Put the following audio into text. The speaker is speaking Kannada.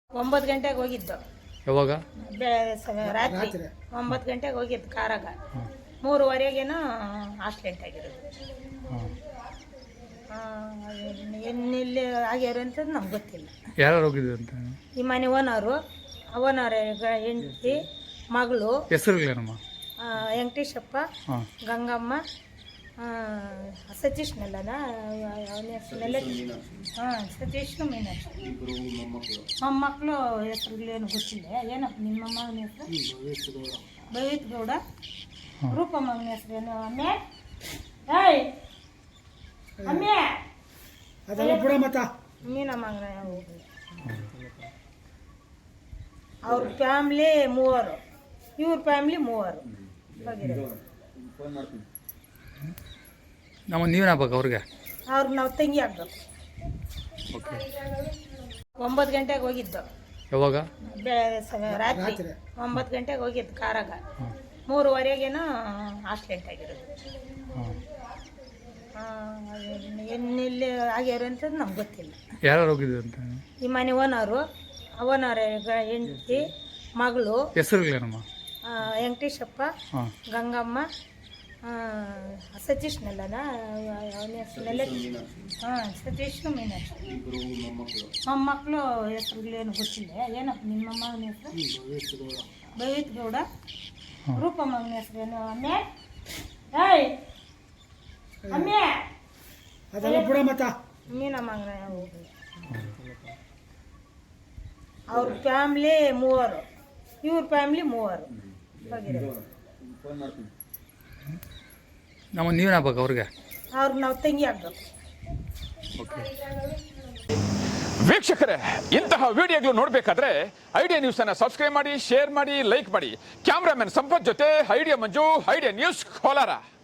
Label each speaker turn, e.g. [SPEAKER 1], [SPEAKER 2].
[SPEAKER 1] 9 ಗಂಟೆಗೆ ಹೋಗಿದ್ದು.
[SPEAKER 2] ಯಾವಾಗ?
[SPEAKER 1] ರಾತ್ರಿ 9 ಗಂಟೆಗೆ ಹೋಗಿದ್ದು ಕಾರಾಗ. 3:30ಗೇನೋ ಆಕ್ಸಿಡೆಂಟ್ ಆಗಿರೋದು. ಎಲ್ಲಿ ಆಗ್ಯಾರ ಅಂತ ನಮ್ಗೆ ಗೊತ್ತಿಲ್ಲ.
[SPEAKER 2] ಯಾರು ಹೋಗಿದ್ರು ಅಂತ?
[SPEAKER 1] ಈ ಮನೆ ಓನರು ಹೆಂಡತಿ ಮಗಳು.
[SPEAKER 2] ಹೆಸರುಗಳೇನಮ್ಮ?
[SPEAKER 1] ವೆಂಕಟೇಶಪ್ಪ, ಗಂಗಮ್ಮ, ಸತೀಶ್ನೆಲ್ಲನ ಅವನ ಹೆಸರೆಲ್ಲ ಸತೀಶ್ ಮೀನಾಕ್ಷಿ. ಮೊಮ್ಮಕ್ಕಳು ಹೆಸರುಗಳೇನು ಗೊತ್ತಿಲ್ಲ. ಏನಪ್ಪ ನಿಮ್ಮ ಮಗನ ಹೆಸರು? ಭವಿತ್ ಗೌಡ. ರೂಪಮ್ಮನ ಹೆಸರೇನು? ಅಮ್ಮೆ ಏಯ್ ಅಮ್ಮೆ ಮೀನ ಮಗನ. ಅವ್ರ ಫ್ಯಾಮ್ಲಿ 3, ಇವ್ರ ಫ್ಯಾಮ್ಲಿ 3
[SPEAKER 2] ನಮ್ಮ ನೀವೇನು ಆಗ್ಬೇಕು ಅವ್ರಿಗೆ?
[SPEAKER 1] ಅವ್ರಿಗೆ ನಾವು ತಂಗಿ ಆಗ್ಬೇಕು. 9 ಗಂಟೆಗೆ ಹೋಗಿದ್ದು.
[SPEAKER 2] ಯಾವಾಗ?
[SPEAKER 1] ರಾತ್ರಿ 9 ಗಂಟೆಗೆ ಹೋಗಿದ್ದು ಕಾರಾಗ. 3:30ಗೇನೋ ಆಕ್ಸಿಡೆಂಟ್ ಆಗಿರೋದು. ಎಲ್ಲಿ ಆಗ್ಯಾರ ಅಂತ ನಮ್ಗೆ ಗೊತ್ತಿಲ್ಲ.
[SPEAKER 2] ಯಾರು ಹೋಗಿದ್ರು ಅಂತ?
[SPEAKER 1] ಈ ಮನೆ ಓನರು ಹೆಂಡತಿ ಮಗಳು.
[SPEAKER 2] ಹೆಸರುಗಳೇನಮ್ಮ?
[SPEAKER 1] ವೆಂಕಟೇಶಪ್ಪ, ಗಂಗಮ್ಮ, ಸತೀಶ್ನೆಲ್ಲನ ಅವನ ಹೆಸರೆಲ್ಲ ಸತೀಶ್ ಮೀನಾಕ್ಷಿ. ಮೊಮ್ಮಕ್ಕಳು ಹೆಸರುಗಳೇನು ಗೊತ್ತಿಲ್ಲ. ಏನಪ್ಪ ನಿಮ್ಮ ಮಗನ ಹೆಸರು? ಭವಿತ್ ಗೌಡ. ರೂಪಮ್ಮನ ಹೆಸರೇನು? ಅಮ್ಮೆ ಏಯ್ ಅಮ್ಮೆ ಮೀನ ಮಗನ. ಅವ್ರ ಫ್ಯಾಮ್ಲಿ 3, ಇವ್ರ ಫ್ಯಾಮ್ಲಿ 3
[SPEAKER 2] ನಮ್ಮ ನೀವೇನು ಆಗ್ಬೇಕು ಅವ್ರಿಗೆ?
[SPEAKER 1] ಅವ್ರಿಗೆ ನಾವು ತಂಗಿ ಆಗ್ಬೇಕು.
[SPEAKER 3] ವೀಕ್ಷಕರೇ, ಇಂತಹ ವಿಡಿಯೋಗಳು ನೋಡಬೇಕಾದ್ರೆ ಐಡಿಯಾ ನ್ಯೂಸ್ ಅನ್ನು ಸಬ್ಸ್ಕ್ರೈಬ್ ಮಾಡಿ, ಶೇರ್ ಮಾಡಿ, ಲೈಕ್ ಮಾಡಿ. ಕ್ಯಾಮ್ರಾಮನ್ ಸಂಪತ್ ಜೊತೆ Idea Manju, Idea News Kolar.